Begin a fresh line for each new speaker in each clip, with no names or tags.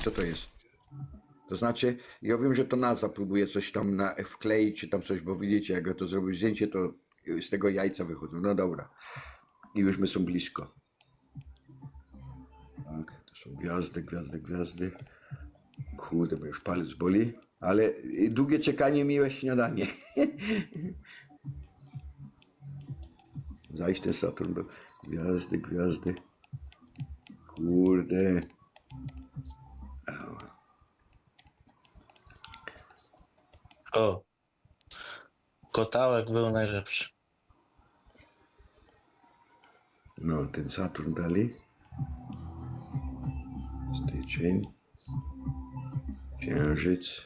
co to jest? To znaczy, ja wiem, że to NASA próbuje coś tam wkleić, czy tam coś, bo widzicie, jak ja to zrobił zdjęcie, to z tego jajca wychodzą. No dobra. I już my są blisko. Tak, to są gwiazdy, gwiazdy, gwiazdy. Kurde, bo już palec boli. Ale długie czekanie, miłe śniadanie. Zaś ten Saturn był. Gwiazdy, gwiazdy. Kurde.
O, kotałek był najlepszy.
No, ten Saturn dalej. Styczeń. Księżyc.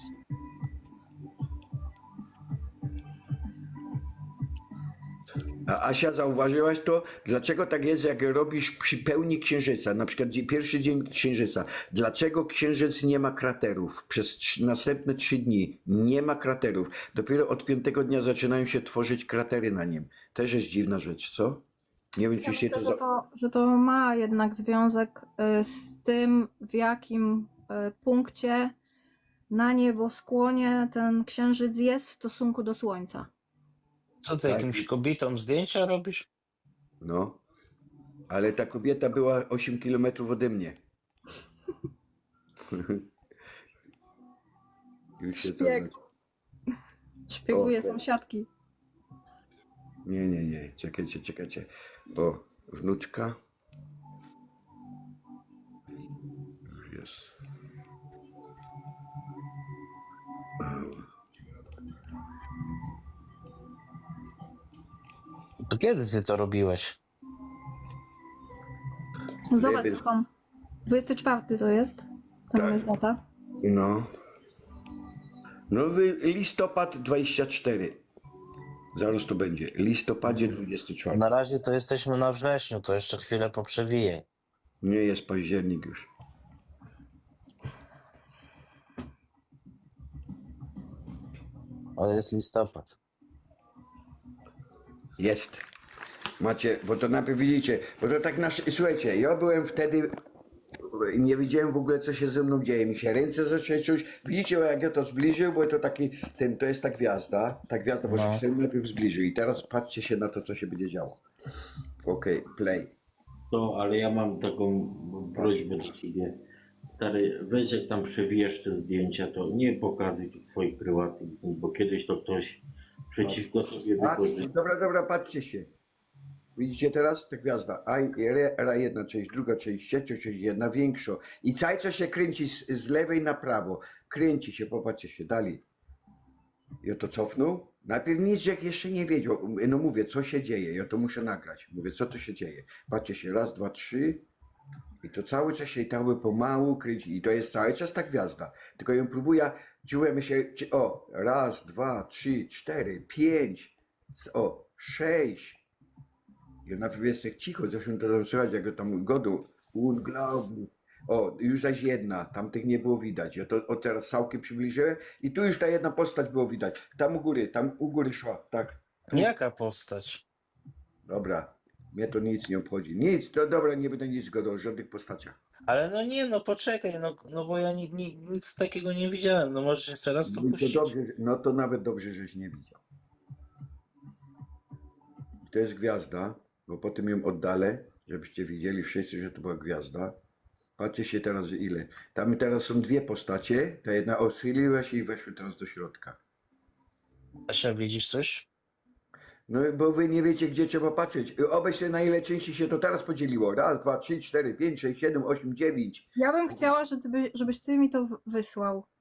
A Asia, zauważyłaś to? Dlaczego tak jest, jak robisz przy pełni księżyca, na przykład pierwszy dzień księżyca, dlaczego księżyc nie ma kraterów? Przez następne 3 dni nie ma kraterów. Dopiero od 5. dnia zaczynają się tworzyć kratery na nim. Też jest dziwna rzecz, co? Nie wiem, czy się
Myślę, że to ma jednak związek z tym, w jakim punkcie na nieboskłonie ten księżyc jest w stosunku do Słońca.
Co ty
Tak.
jakimś kobietom zdjęcia robisz?
No, ale ta kobieta była 8 kilometrów ode mnie. Już się
Szpieg.
zobacz.
Szpieguje
O.
sąsiadki.
Nie. Czekajcie, czekajcie. O, wnuczka. Już jest.
To kiedy ty to robiłeś?
Zobacz,
Wiemy.
to są 24 to jest. Tam
Tak.
jest data.
No. Nowy listopad 24. Zaraz to będzie. Listopadzie 24.
Na razie to jesteśmy na wrześniu, to jeszcze chwilę poprzewijaj.
Nie jest październik już.
Ale jest listopad.
Jest. Macie, bo to najpierw widzicie, bo to tak słuchajcie, ja byłem wtedy, nie wiedziałem w ogóle, co się ze mną dzieje, mi się ręce zaczęły czuć, widzicie, jak ja to zbliżył, bo to taki, to jest ta gwiazda, bo
No.
się najpierw zbliżył i teraz patrzcie się na to, co się będzie działo. Okej, play.
To, ale ja mam taką prośbę do ciebie. Stary, weź jak tam przewijasz te zdjęcia, to nie pokazuj tych swoich prywatnych zdjęć, bo kiedyś to ktoś przeciwko tobie wykorzy.
Dobra, patrzcie się. Widzicie teraz? Ta gwiazda. Jedna część, druga część, trzecia część, jedna większa. I cały czas się kręci z lewej na prawo. Kręci się, popatrzcie się, dalej. Ja to cofnął. Najpierw nic, jak jeszcze nie wiedział. No mówię, co się dzieje. Ja to muszę nagrać. Mówię, co to się dzieje. Patrzcie się, raz, dwa, trzy. I to cały czas się pomału kręci. I to jest cały czas ta gwiazda. Tylko ją próbuję, czułem się, o, raz, dwa, trzy, cztery, pięć, o, 6. Ja najpierw jest tak cicho, zresztą to tam słychać, jak go tam godu, unglaublich. O, już zaś jedna, tamtych nie było widać. Ja to teraz całkiem przybliżyłem i tu już ta jedna postać było widać. Tam u góry szła, tak. Tu.
Jaka postać?
Dobra, mnie to nic nie obchodzi. Nic, to dobra, nie będę nic gadał o żadnych postaciach.
Ale no nie, no poczekaj, no bo ja nic takiego nie widziałem. No możesz jeszcze raz to
No to
puścić.
dobrze, no to nawet dobrze, żeś nie widział. To jest gwiazda, bo potem ją oddalę, żebyście widzieli wszyscy, że to była gwiazda. Patrzcie się teraz ile. Tam teraz są dwie postacie, ta jedna odchyliła się i weszły teraz do środka.
Asia, widzisz coś?
No bo wy nie wiecie, gdzie trzeba patrzeć. Obejrzcie, na ile części się to teraz podzieliło. Raz, dwa, trzy, cztery, pięć, sześć, siedem, osiem, dziewięć.
Ja bym chciała, żebyś ty mi to wysłał.